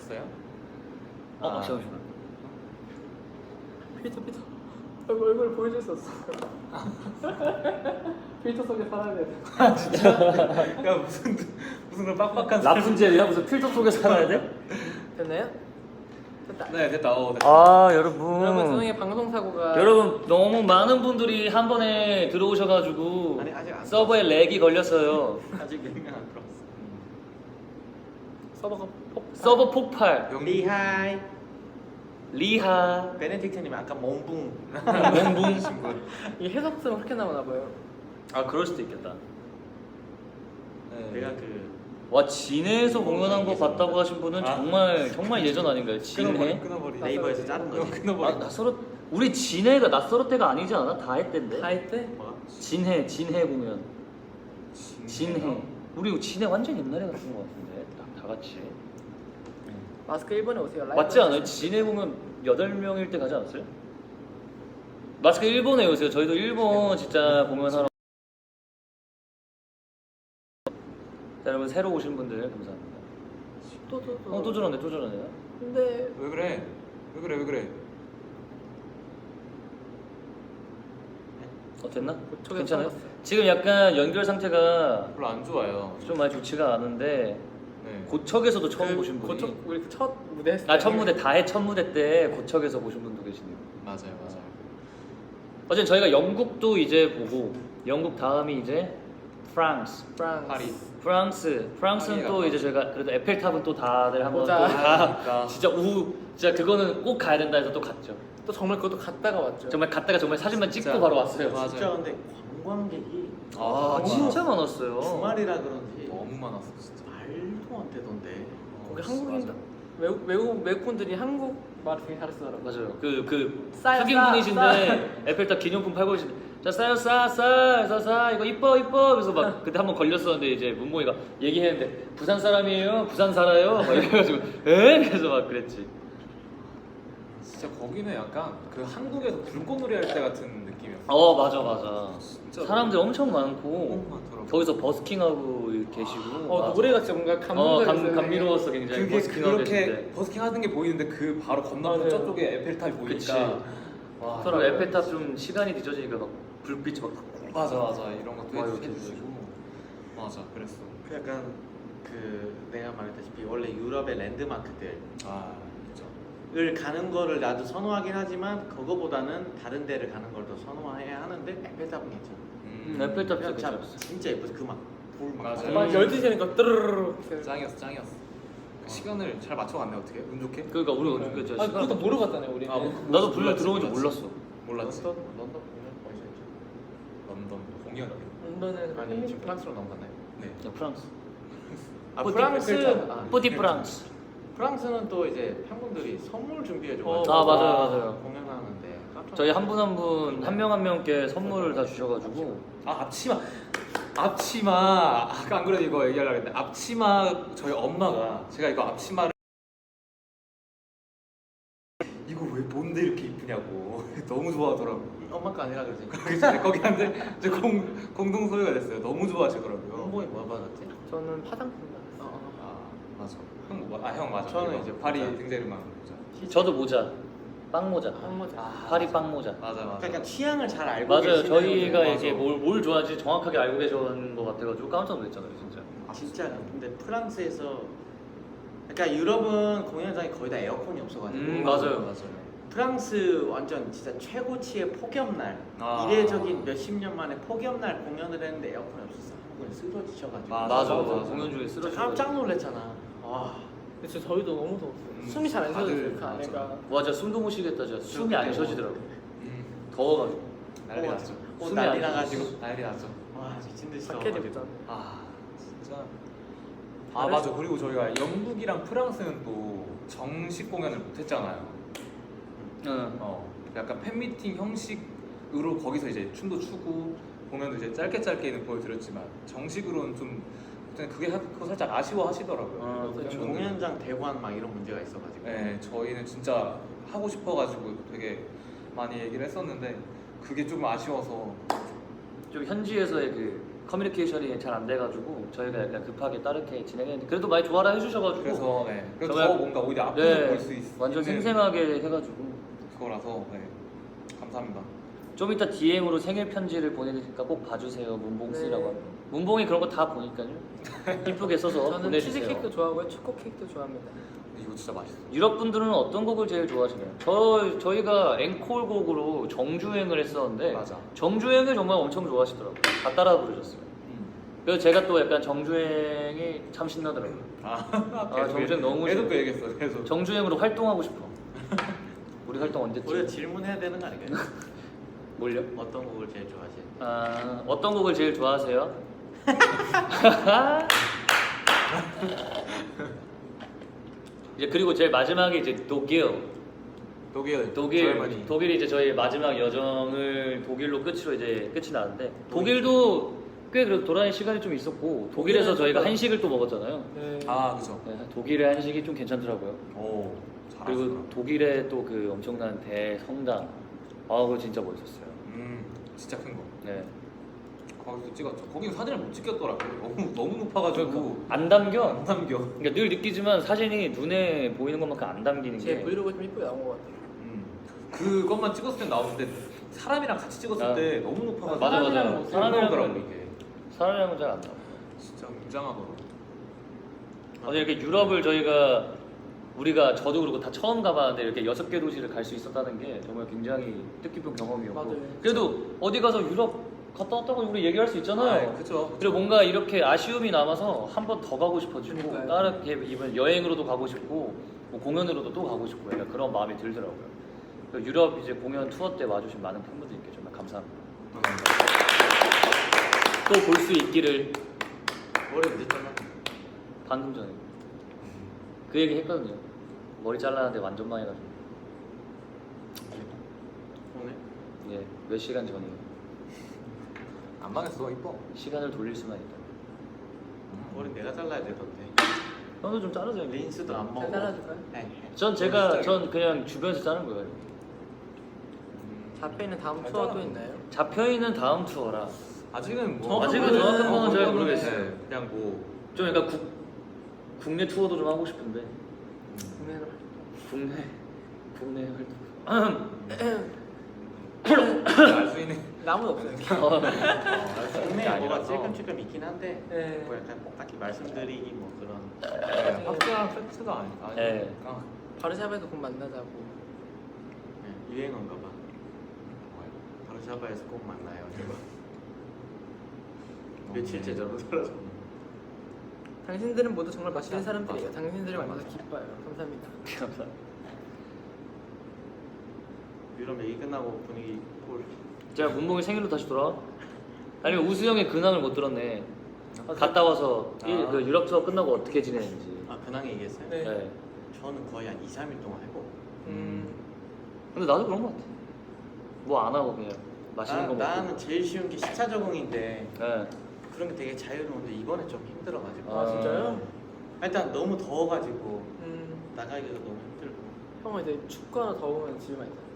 했어요? 잠시만. 피터 얼굴 보여줄 수 없어. 필터 속에 살아야 돼. 야 무슨 그런 빡빡한 라푼젤이야? 무슨 필터 속에 살아야 돼? 됐나요? 됐다. 네 됐다. 됐다. 아 여러분. 여러분 선생의 방송 사고가 여러분 너무 많은 분들이 한 번에 들어오셔가지고 아니, 아직 안 서버에 렉이 걸렸어요. 아직 몇명 안 들어왔어. 서버가 서버 폭발. 리하이. 리하. 베네딕트님 아까 몽붕. 몽붕. 이 해석성 그렇게 나오나 봐요. 아 그럴 수도 있겠다. 내가 그 와 진해에서 공연한 거 봤다고 하신 분은 정말 예전 아닌가요? 진해? 끊어버리. 네이버에서 자른 거지. 끊어버리. 낯설어 우리 진해가 낯설어 때가 아니지 않아? 다 했댄데. 다 했대? 진해 공연. 진해. 우리 진해 완전 옛날에 갔던 거 같은데 다 같이. 마스크 1번에 오세요. 라이브 맞지 않아요? 진해 공연 8명일 때 가지 않았어요? 마스크 일본에 오세요. 저희도 일본 진짜 공연하러. 자, 여러분 새로 오신 분들 감사합니다. 또 저러네요. 근데 왜 그래? 됐나? 고척에서 괜찮아요? 살았어요. 지금 약간 연결 상태가 별로 안 좋아요. 좀 많이 좋지가 않은데 네. 고척에서도 처음 보신 분이 고척 우리 첫 무대 했을 첫 무대 다해 첫 무대 때 고척에서 보신 분도 계시네요. 맞아요. 어쨌든 저희가 영국도 이제 보고 영국 다음이 이제 프랑스. 파리. 프랑스는 파리가 또 이제 저희가 그래도 에펠탑은 또 다들 한번 또 보자. 그러니까. 진짜 그거는 꼭 가야 된다 해서 또 갔죠. 또 정말 그것도 갔다가 왔죠. 정말 갔다가 정말 사진만 찍고 진짜. 바로 왔어요. 맞아요. 진짜 근데 관광객이 아 진짜 많았어요. 주말이라 그런지 너무 많았어 진짜. 말도 안 되던데. 거기 한국인 외국 분들이 한국 말 되게 잘쓰더라고요. 맞아요. 그 싸요, 흑인 싸, 분이신데 에펠탑 기념품 팔고 계신데 자 싸요 싸 이거 이뻐 그래서 막 그때 한번 걸렸었는데 이제 문모이가 얘기했는데 부산 사람이에요 부산 살아요 막 이래가지고 에 그래서 막 그랬지. 진짜 거기는 약간 그 한국에서 불꽃놀이 할 때 같은 느낌이었어. 맞아. 진짜 사람들 엄청 너무 많고 많더라고. 거기서 버스킹하고 계시고. 맞아. 노래가 진짜 뭔가 감동적이었어요. 감미로웠어 굉장히. 그게 버스킹하고 그렇게 계신데. 버스킹 하는 게 보이는데 그 바로 건너편 맞아요. 저쪽에 에펠탑이 그치. 보이니까. 와. 서로 에펠탑 좀 시간이 늦어지니까 막 불빛이 막. 맞아 이런 것도 와, 해주시고. 맞아 그랬어. 그 약간 그 내가 말했다시피 원래 유럽의 랜드마크들 아 그죠. 을 가는 거를 나도 선호하긴 하지만 그거보다는 다른 데를 가는 걸 더 선호해야 하는데 에펠탑은 괜찮아. 에펠탑 그냥 진짜 참 괜찮았어. 진짜 예뻐서 그막불막 맞아요. 막 12시니까 뜨르르르. 짱이었어. 그 시간을 잘 맞춰갔네 어떻게? 운 좋게? 그러니까 우리 어떻게 아 그것도 모르고 갔잖아요 우리. 나도 불러 들어온 줄 몰랐어. 몰랐지. 런던 공연 어디서 했죠? 런던 공연. 런던에 아니 지금 프랑스로 넘어갔나요? 네. 야, 프랑스. 아 뿌디 프랑스 뿌디 프랑스. 프랑스는 또 이제 팬분들이 선물 준비해줘가지고 맞아요. 공연하는데 깜짝 저희 한 분 한 명 한 명께 선물을 다 주셔가지고. 앞치마 아까 안 그래도 이거 얘기하려고 했는데 앞치마 저희 엄마가 제가 이거 앞치마를 이거 왜 뭔데 이렇게 이쁘냐고 너무 좋아하더라고. 엄마 거 아니라 그러지. 그래서 거기 한데 이제 공동 소유가 됐어요. 너무 좋아하시더라고요. 홍보에 뭐 받았지? 저는 화장품 받았어요. 아 맞아. 형 맞아. 저는 이거 이제 파리 모자. 등재르만 모자. 저도 모자. 빵 모자. 모자. 파리 빵 모자. 맞아. 그러니까 취향을 잘 알고 맞아요. 계시는 저희가 분들. 이게 뭘 좋아하지 정확하게 알고 계셨는 것 같아가지고 깜짝 놀랐잖아요, 진짜. 진짜 근데 프랑스에서 그러니까 유럽은 공연장이 거의 다 에어컨이 없어가지고 맞아요. 프랑스 완전 진짜 최고치의 폭염날 아. 이례적인 몇십 년 만에 폭염날 공연을 했는데 에어컨이 없었어. 한국에 쓰러지셔가지고 맞아. 공연 중에 진짜 쓰러져. 깜짝 놀랐잖아. 와 근데 진짜 저희도 너무 더웠어요. 숨이 잘 안 쉬어져요 그 다들 안에가. 와, 진짜 숨도 못 쉬겠다, 진짜. 숨이 안 쉬어지더라고. 음. 더워가지고. 난리 났죠. 옷 숨이 난리 안 나가지고 난리 났죠. 와 미친 듯이 자켓 더워가지고. 입잖아. 아 진짜. 아 맞아. 그리고 저희가 영국이랑 프랑스는 또 정식 공연을 못했잖아요. 응. 약간 팬미팅 형식으로 거기서 이제 춤도 추고 공연도 이제 짧게는 보여드렸지만 정식으로는 좀 그게 그거 살짝 아쉬워하시더라고요. 그렇죠. 공연장 대관 막 이런 문제가 있어가지고. 네, 저희는 진짜 하고 싶어가지고 되게 많이 얘기를 했었는데 그게 좀 아쉬워서 좀 현지에서의 그 커뮤니케이션이 잘 안 돼가지고 저희가 약간 급하게 다르게 진행했는데 그래도 많이 좋아라 해주셔가지고 그래서 네. 그래서 정말- 더 뭔가 오히려 앞에서 볼 수 있. 완전 있는 생생하게 해가지고 그거라서 네. 감사합니다. 좀 이따 DM으로 생일 편지를 보내드리니까 꼭 봐주세요. 문봉 씨라고 네. 하면 문봉이 그런 거 다 보니까요. 이쁘게 써서 저는 보내주세요. 치즈 케이크도 좋아하고요, 초코 케이크도 좋아합니다. 이거 진짜 맛있어. 유럽 분들은 어떤 곡을 제일 좋아하시나요? 저희가 앵콜 곡으로 정주행을 했었는데 맞아. 정주행을 정말 엄청 좋아하시더라고요. 다 따라 부르셨어요. 그래서 제가 또 약간 정주행이 참 신나더라고요. 정주행 너무 계속 좋아. 그 얘기했어. 계속. 정주행으로 활동하고 싶어. 우리 활동 언제쯤? 우리가 질문해야 되는 거 아닌가요? 뭘요? 어떤 곡을 제일 좋아하세요? 아, 어떤 곡을 제일 좋아하세요? 이제 그리고 제일 마지막에 이제 독일. 독일이 이제 저희 마지막 여정을 독일로 끝으로 이제 끝이 나는데 독일도 꽤 그래도 돌아다닐 시간이 좀 있었고 독일에서 독일은 저희가 좀- 한식을 또 먹었잖아요. 네. 아 그죠. 네, 독일의 한식이 좀 괜찮더라고요. 오. 그리고 잘하시더라. 독일의 또 그 엄청난 대성당, 그거 진짜 멋있었어요. 진짜 큰 거. 네, 거기서 찍었죠. 거기 사진을 못 찍겠더라고요. 너무 높아가지고 안 담겨. 안 담겨. 그러니까 늘 느끼지만 사진이 눈에 보이는 것만큼 안 담기는 제 게. 브이로그 좀 이쁘게 나온 것 같아요. 그것만 찍었을 땐 나오는데 사람이랑 같이 찍었을 아. 때 너무 높아가지고 맞아, 맞아. 사람이랑 못 사람이더라고 사람이랑은- 이게. 사람이랑은 잘 안 나와. 진짜 웅장하더라고. 이렇게 유럽을 우리가 저도 그렇고 다 처음 가봤는데 이렇게 6개 도시를 갈 수 있었다는 게 정말 굉장히 뜻깊은 경험이었고 맞아요. 그래도 어디 가서 유럽 갔다 왔다고 우리 얘기할 수 있잖아요. 그죠. 그리고 뭔가 이렇게 아쉬움이 남아서 한 번 더 가고 싶어지고 그러니까요. 다른 이번 여행으로도 가고 싶고 뭐 공연으로도 또 가고 싶고 약간 그런 마음이 들더라고요. 그래서 유럽 이제 공연 투어 때 와주신 많은 팬분들께 정말 감사합니다. 또 볼 수 있기를 머리 언제 잘라? 방금 전에 그 얘기 했거든요. 머리 잘라는데 완전 많이 가지고 오늘? 예, 몇 시간 전이에요. 안 망했어. 이뻐. 시간을 돌릴 수만 있다. 머리 내가 잘라야 되던데. 형도 좀 자르세요. 린스도 안 먹어. 잘 잘라줄까요? 네. 전 그냥 주변에서 자른 거예요. 잡혀있는 다음 잘 투어 또 잘라. 있나요? 잡혀 있는 다음 투어라 아직은 뭐 아직은 정확한 건 잘 모르겠어요. 네, 그냥 뭐 좀 약간 국내 투어도 좀 하고 싶은데 국내로 국내 활동. 알 수 있는 아무도 없어요. 국내에 뭐가 찔끔찔끔 있긴 한데 네. 뭐 약간 뭐 딱히 말씀드리기 뭐 그런 확실한 팩트가 아니니까. 네. 바르샤바에서 곧 만나자고. 네, 유행어인가 봐. 바르샤바에서 꼭 만나요. 제가 며칠째 저러고 살아서. 당신들은 모두 정말 맛있는 사람들이에요. 당신들을 만나서 기뻐요. 감사합니다. 유럽 얘기 끝나고 분위기 볼. 제가 문봉이 생일로 다시 돌아와? 아니면 우수 형의 근황을 못 들었네. 갔다 와서 그 유럽 투어 끝나고 어떻게 지내는지. 아 근황 얘기했어요? 네. 네. 저는 거의 한 2, 3일 동안 하고 근데 나도 그런 거 같아. 뭐 안 하고 그냥 맛있는 거 먹고. 나는 제일 쉬운 게 시차 적응인데 네. 그런 게 되게 자유로운데 이번에 좀 힘들어가지고 아 진짜요? 일단 너무 더워가지고 음. 나가기가 너무 힘들고 형은 이제 춥거나 더우면 집에만 있잖아요.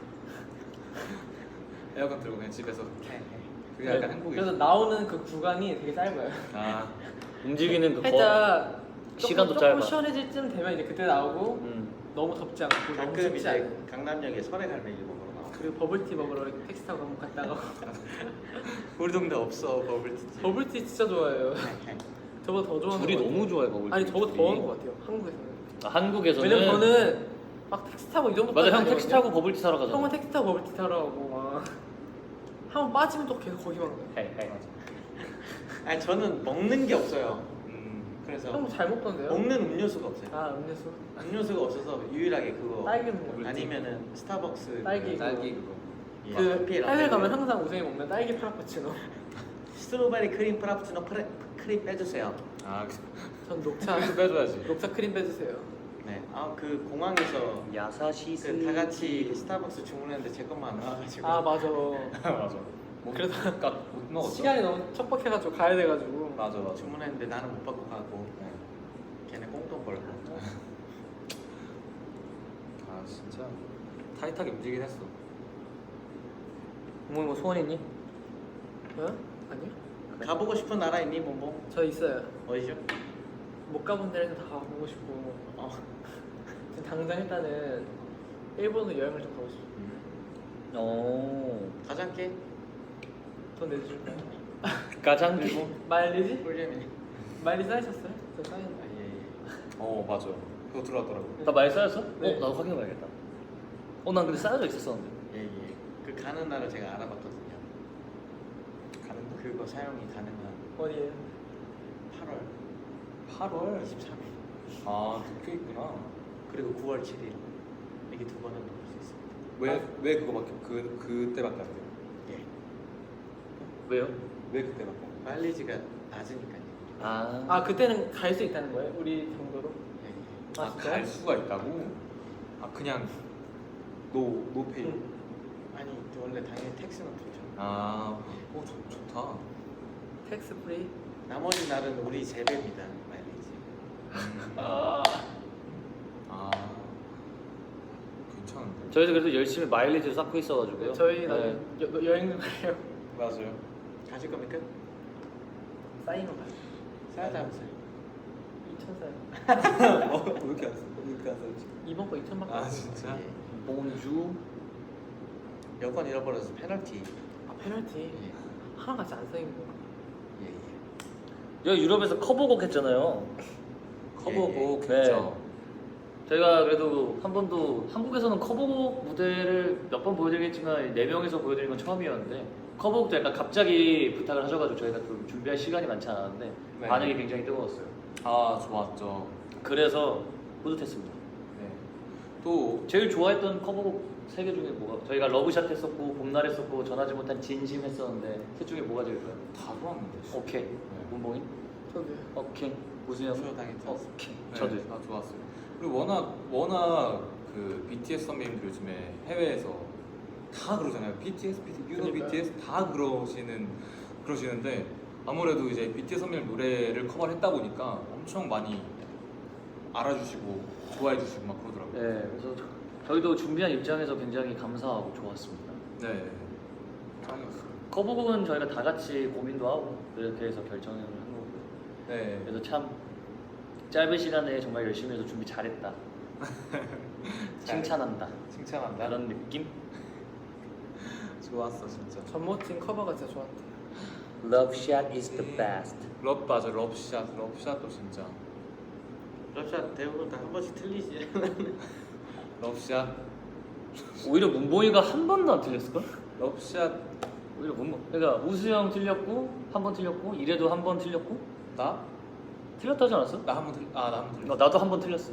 에어컨 틀고 그냥 집에서 네. 그게 약간 행복이죠. 그래서 나오는 그 구간이 되게 짧아요. 아 움직이는 그 살짝 시간도 조금 짧아. 시원해질 쯤 되면 이제 그때 나오고 너무 덥지 않고 너무 가끔 춥지 이제 않고 강남역에 설해갈매기 먹으러 나와. 그리고 버블티 먹으러 이렇게 택시 타고 한번 갔다가 우리 동네 없어 버블티집. 버블티 진짜 좋아해요. 네. 저보다 더 좋아하는 둘이 것 같아요. 너무 좋아해 버블. 아니 저보다 더 하는 것 같아요. 한국에서는. 한국에서는 왜냐면 저는 막 택시 타고 이 정도 맞아 형 택시 타고 버블티 사러 가잖아. 형은 택시 타고 버블티 타러 가고 막 한번 빠지면 또 계속 거기만 가요. 헤이. 아니 저는 먹는 게 없어요. 그래서 형 잘 먹던데요? 먹는 음료수가 없어요. 아 음료수 음료수가 없어서 유일하게 그거 딸기 먹는 거. 아니면은 스타벅스 딸기. 딸기 그거. 예, 그 커피 라떼. 해외 가면 항상 우승이 먹는 딸기 프라푸치노. 스트로베리 크림 프라푸치노 크림 빼주세요. 아 전 녹차 그 빼줘야지. 녹차 크림 빼주세요. 네. 아 그 공항에서 야사시스. 그 다 같이 스타벅스 주문했는데 제 것만 안 나와가지고. 아 맞아. 맞아. 그래도 못 먹었어. 시간이 너무 척박해가지고 가야 돼가지고. 맞아 맞아. 주문했는데 나는 못 받고 가고 네. 걔네 꽁돈 벌고. 아 진짜 타이트하게 움직이긴 했어. 뭐 소원 있니? 어? 아니요? 가보고 싶은 나라 있니 몽몽? 저 있어요. 어디죠? 못 가본 데는 다 가보고 싶고 어. 지금 당장 일단은 일본으로 여행을 좀 가고 싶어요. 오. 가장께 돈 내줄까요? 가장 그리고 마일리지? 꿀잼이네. 마일리지 쌓이셨어요? 저 쌓였는데. 어 맞아요. 그거 들어왔더라고. 나 많이 쌓였어? 네. 나도 확인해봐야겠다. 난 근데 쌓여져 있었었는데. 예예. 그 가는 날을 제가 알아봤거든요. 가는 거? 그거 사용이 가능한 어디에요? 8월 8월. 23일 아 도쿄 있구나. 그리고 9월 7일 이게 두 번은 넣을 수 있습니다. 왜 그거밖에 그때밖에 안 돼요? 예. 왜요? 왜 그때밖에 안 돼요? 마일리지가 낮으니까요. 아 그때는 갈 수 있다는 거예요? 우리 정도로? 예, 예. 아, 진짜요? 갈 수가 있다고? 아 그냥 노페이. 아니 원래 당연히 텍스는 붙죠. 아, 좋다. 텍스 프리? 나머지 날은 우리 재배입니다. 마일리지. 아, 괜찮은데. 저희도 그래도 열심히 마일리지를 쌓고 있어가지고요. 저희 나중에 네. 여행도 가요. 맞아요. 가실 겁니까? 쌓이는 가요. 사야다면서요. 2천 쌓요. 왜 이렇게 안 써? 왜 이렇게 안 써지? 이번 거 2천밖에 아 진짜? 예. 봉주. 여권 잃어버려서 페널티. 아 페널티 예. 하나같이 안 쌓인 거. 예, 예. 여기 유럽에서 커버곡 했잖아요. 커버곡 네. 했죠. 저희가 그래도 한 번도 한국에서는 커버곡 무대를 몇 번 보여드리겠지만 4명이서 보여드린 건 처음이었는데 커버곡도 약간 갑자기 부탁을 하셔가지고 저희가 좀 준비할 시간이 많지 않았는데 네. 반응이 굉장히 뜨거웠어요. 아 좋았죠. 그래서 뿌듯했습니다. 네. 또 제일 좋아했던 커버곡 3개 중에 뭐가? 저희가 러브샷 했었고 봄날 했었고 전하지 못한 진심 했었는데 셋 중에 뭐가 제일 좋아요? 다 좋았는데. 오케이. 문봉이? 저도요. 오케이. 우수영? 수요 당했죠. 오케이. 네, 저도요. 다 좋았어요. 그리고 워낙 그 BTS 선배님들 요즘에 해외에서 다 그러잖아요. BTS, you know 그러니까요. BTS 다 그러시는데 아무래도 이제 BTS 선배님 노래를 커버를 했다 보니까 엄청 많이 알아주시고 좋아해주시고 막 그러더라고요. 네, 그래서 저희도 준비한 입장에서 굉장히 감사하고 좋았습니다. 네. 짱이었어요. 커버곡은 저희가 다 같이 고민도 하고 이렇게 해서 결정을 한 거고요. 네. 그래서 참 짧은 시간에 정말 열심히 해서 준비 잘했다. 칭찬한다. 칭찬한다. 그런 느낌? 좋았어 진짜. 전모팀 커버가 진짜 좋았대요. Love shot is the best. 맞아 럽샷도 진짜. 러시아 대부분 다 한 번씩 틀리지. 럽샷 오히려 문보이가 한 번도 안 틀렸을걸? 럽샷 오히려 문보. 그러니까 우수형 틀렸고 한 번 틀렸고 이래도 한 번 틀렸고 나? 틀렸다지 않았어? 나 한 번 틀. 나 한 번 틀. 나도 한 번 틀렸어.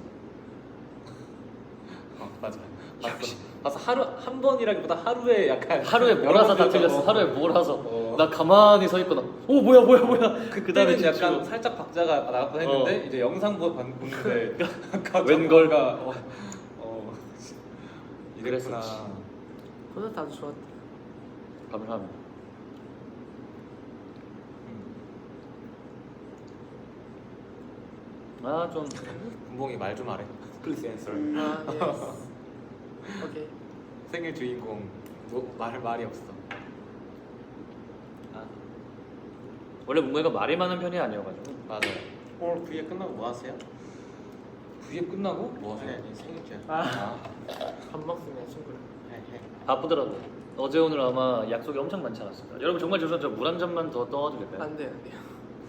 맞아. 봤어. 하루 한 번이라기보다 하루에 약간 하루에 몰아서 다 여러 번 틀렸어. 틀렸어. 하루에 몰아서. 어. 나 가만히 서 있거나. 오 뭐야. 그다음에 춤추고. 약간 살짝 박자가 나갔다 했는데 이제 영상 보는데 웬걸. 이랬구나. 콘서트 아주 좋았대요. 감사합니다. 좀 군봉이 말 좀 하래. Please answer. 아 예스. 오케이. 생일 주인공 말이 없어. 아 원래 문보이가 말이 많은 편이 아니어가지고. 맞아요. 오늘 그게 끝나고 뭐 하세요? V앱 끝나고 뭐 하세요? 아니 생일이야. 아. 밥 먹습니다 친구랑. 해. 바쁘더라고. 어제 오늘 아마 약속이 엄청 많지 않았을까. 여러분 정말 죄송한데 물 한 잔만 더 떠와도 될까요? 안 돼요 안 돼요.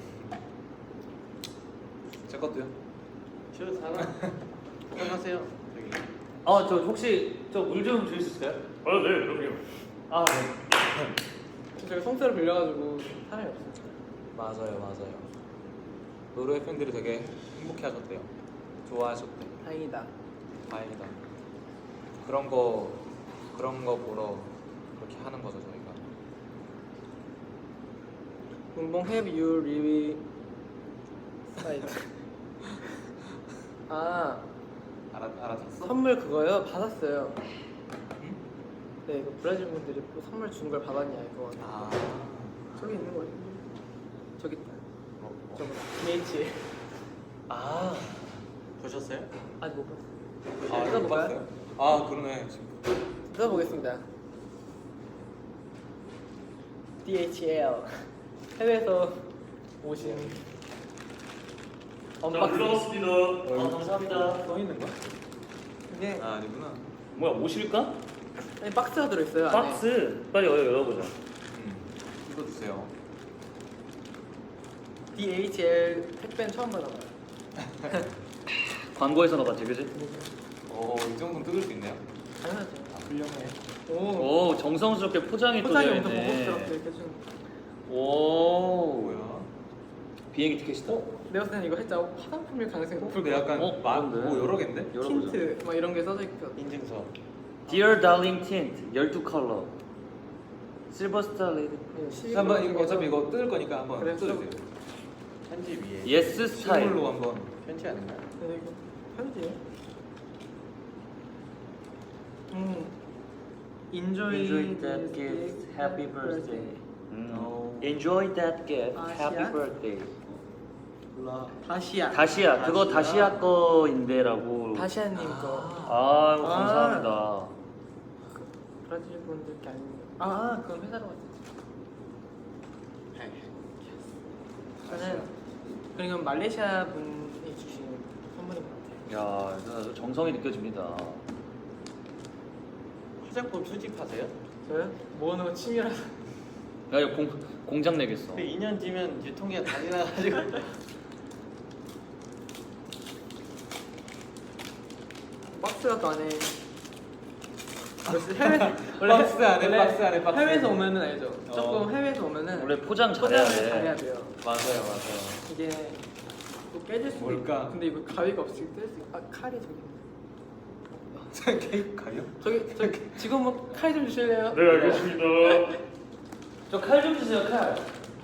제 것도요. 쉬어서 살아. 안녕하세요. 여기. 저 혹시 저 물 좀 주실 수 있어요? 네, 그럼요. 네. 저희가 송사를 빌려가지고 사람이 없어요. 맞아요. 노르웨이 팬들이 되게 행복해하셨대요. 좋아하셨대. 다행이다. 다행이다. 그런 거 보러 그렇게 하는 거죠 저희가. 문봉 have you really site. 알아들었어? 선물 그거요? 받았어요. 응? 네, 그 브라질 분들이 선물 준 걸 받았냐 이거. 아. 저기 있는 거예요. 저기 있다. 저거. BH. 보셨어요? 아직 못 봤어요. 아, 뜯어볼까요? 봤어요? 아, 그러네. 지금. 뜯어보겠습니다. DHL. 해외에서 오신 언박싱. 올라왔습니다. 아, 감사합니다. 써 있는 거? 이게 아 아니구나. 뭐야, 오실까? 아니, 박스가 들어있어요. 안에. 박스 빨리 열어보자. 이거 주세요. DHL 택배는 처음 받아봐요. 광고에서 나봤지, 그지? 이 정도는 뜯을 수 있네요. 당연하죠. 아 훌륭해. 오. 오, 정성스럽게 포장이 또 포장이 되어 엄청 있네. 고급스럽게 이렇게 좀. 오, 뭐야? 비행기 티켓이다. 내가 봤을 때는 이거 살짝 화장품일 가능성이 높을 근데 것 약간 그런데? 뭐 여러 개인데? 같아. 열어보자. 틴트 막 이런 게 써져 있고. 인증서. Dear Darling Tint 12컬러 실버스타 레이드 한번 이거 어차피 이거 뜯을 거니까 한번 그래, 뜯으세요. 편지 위에. 예스 스타일. 실물로 한번. 편지 아닌가요? 근데 이거 편지. Enjoy, Enjoy that this gift. Happy birthday. 어. Enjoy that gift. 다시야? Happy birthday. 다시야. 다시야. 그거 다시야 거인데라고. 다시아님 거. 아이고 아. 감사합니다. 브라질 분들 게 아닙니다. 아, 그건 회사로 왔지. 저는 그리고 말레이시아 분이 주신 선물인 것 같아요. 야, 이거 정성이 느껴집니다. 화장품 수집하세요? 저요? 모으는 거 취미라서. 야, 이거 공장 내겠어. 그 2년 뒤면 유통기한 다 지나가지고. 박스가 또 안에 해외 박스 안에, 박스 안에, 박스 해외에서 안에. 오면은 알죠. 조금 해외에서 오면은 원래 포장 잘해야 포장을 돼. 잘해야 돼요. 맞아요, 맞아요. 이게 또 깨질 수도 뭘까? 있고. 근데 이거 가위가 없이 뗄 수. 아 칼이 저기. 저 케이크 가요? 저기 지금 뭐 칼 좀 주실래요? 네, 알겠습니다. 저 칼 좀 주세요, 칼.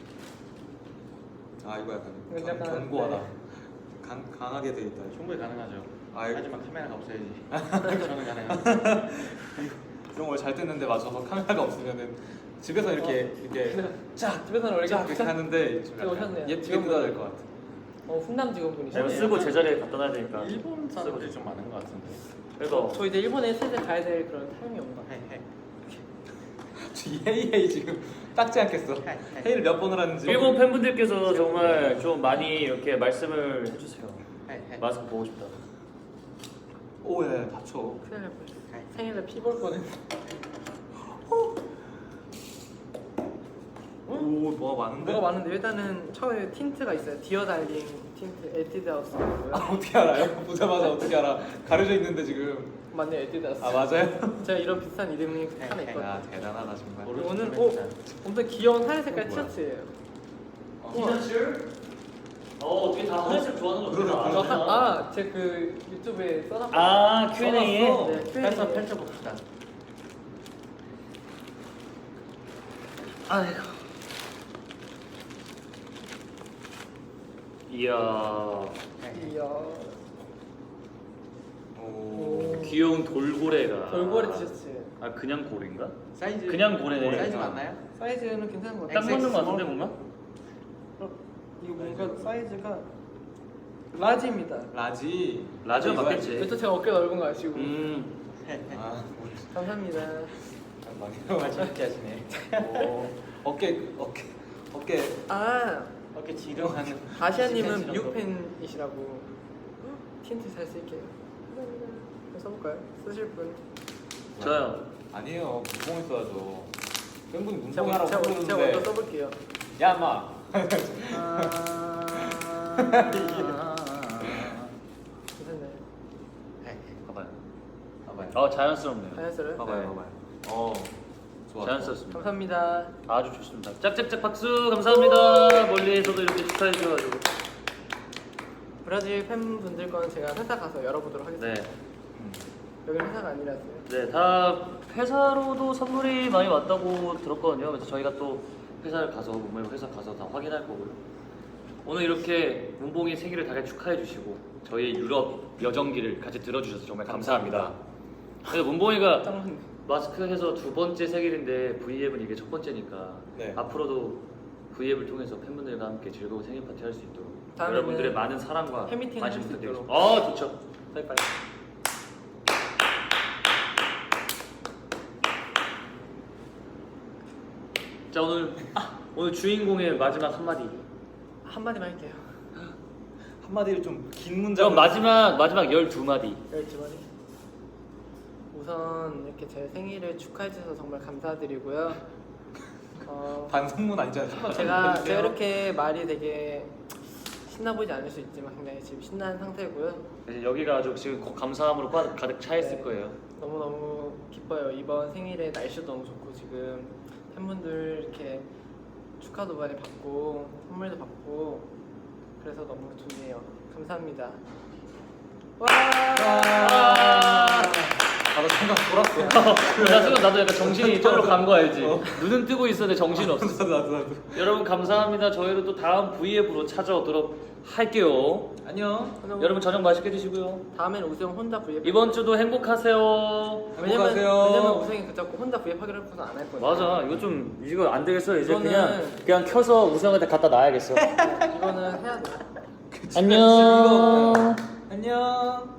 아 이거 약간 이거 약간, 견고하다. 네. 강하게 돼 있다. 충분히 가능하죠. 아이. 하지만 카메라가 없어야지. 저는 가능합니다. 이런 걸 잘 뜯는데 맞춰서 카메라가 없으면은 집에서 이렇게 자 집에서는 원래 쫙 이렇게 하는데 좀 지금 오셨네요. 예쁘게 지금 뜯어야 될 것 같아. 훈남 이거 직원분이시네요. 쓰고 제자리에 갖다 놔야 되니까. 일본 사람들이 좀 많은 것 같은데. 그래서 저 이제 일본에 슬슬 가야 될 그런 타임이 온 것 같아요. 헤이헤이 지금 닦지 않겠어. 헤이를 몇 번을 하는지. 일본 팬분들께서 정말 좀 많이 이렇게 말씀을 해주세요. 마스크 보고 싶다. 오예 다쳐. 큰일 날 뻔했어. 생일날 피 볼 뻔했어. 오 뭐가 많은데? 뭐가 많은데 일단은 처음에 틴트가 있어요. 디어 달링 틴트 에뛰드하우스고요. 아 어떻게 알아요? 보자마자 어떻게 알아? 가려져 있는데 지금. 맞네요, 에뛰드하우스. 아 맞아요? 제가 이런 비슷한 이름이 하나 있거든요. 아 대단하다 정말. 오늘 엄청 귀여운 하늘 색깔 뭐야? 티셔츠예요. 티셔츠? 어떻게 다 하늘색 좋아하는 거 그러네, 같아. 제 그 유튜브에 써놨거든요. 아, Q&A에? 써놨어. 네, 펼쳐 Q&A. 펼쳐봅시다. 아이고. 이야. 이야. 오. 귀여운 돌고래가. 돌고래 티셔츠. 아, 그냥 고래인가? 사이즈 그냥 고래네. 사이즈 맞나요? 사이즈는 괜찮은 것 딱 같아요. 맞는 거 같은데 뭔가? 이거 뭔가 사이즈가 라지입니다. 라지. 라지가 이거 맞겠지. 그래서 제가 어깨 넓은 거 아시고. 아 감사합니다. 정말 재밌게 하시네. 어깨. 아 어깨 지렁하는. 아시아님은 미국 팬이시라고 틴트 잘 쓸게요. 감사합니다. 이거 써볼까요? 쓰실 분? 저요. 아니에요. 문봉을 써야죠. 팬분이 제가 문봉하라고 제가 먼저 그러는데. 써볼게요. 야 마. 괜찮네. 봐봐요. 봐봐요. 자연스럽네요. 자연스러워요? 봐봐요. 네. 봐봐요. 좋아. 자연스럽습니다. 감사합니다. 아주 좋습니다. 짝짝짝 박수 감사합니다. 멀리에서도 이렇게 축하해 주셔가지고. 브라질 팬분들 거는 제가 회사 가서 열어보도록 하겠습니다. 네. 여기는 회사가 아니라서요. 네, 다 회사로도 선물이 많이 왔다고 들었거든요. 그래서 저희가 또 회사를 가서 문봉이 회사 가서 다 확인할 거고요. 오늘 이렇게 문봉이 생일을 다같이 축하해 주시고 저희 유럽 여정기를 같이 들어주셔서 정말 감사합니다. 그래서 문봉이가 짱 마스크 해서 두 번째 생일인데 V앱은 이게 첫 번째니까 네. 앞으로도 V앱을 통해서 팬분들과 함께 즐거운 생일 파티 할 수 있도록 다음에는 여러분들의 많은 사랑과 팬미팅을 관심 할수 부탁드리겠습니다. 있도록. 좋죠. 빨리빨리. 자 오늘 주인공의 마지막 한마디. 한마디만 할게요. 한마디로 좀 긴 문장. 그럼 마지막 12마디. 12마디. 우선 이렇게 제 생일을 축하해 주셔서 정말 감사드리고요. 반성문 아니잖아요. 제가 이렇게 말이 되게 신나 보이지 않을 수 있지만 굉장히 지금 신난 상태고요. 이제 여기가 아주 지금 감사함으로 가득 차 있을 네. 거예요. 너무너무 기뻐요. 이번 생일에 날씨도 너무 좋고 지금 팬분들 이렇게 축하도 많이 받고 선물도 받고 그래서 너무 좋네요. 감사합니다. 와! 나도 생각 돌았어. 나 순간 나도 약간 정신이 이쪽으로 간 거 알지? 눈은 뜨고 있었는데 정신이 없어. 나도. 여러분 감사합니다. 저희도 또 다음 V앱으로 찾아오도록 할게요. 안녕. 여러분 저녁 맛있게 드시고요. 다음엔 우승 혼자 V앱. 이번 주도 행복하세요. 행복하세요. 왜냐면 우승이 그자꾸 혼자 V앱 하기로 해서 안 할 거예요. 맞아. 이거 안 되겠어. 이제 이거는- 그냥 켜서 우승한테 갖다 놔야겠어. 이거는 해야 돼. 안녕. 안녕.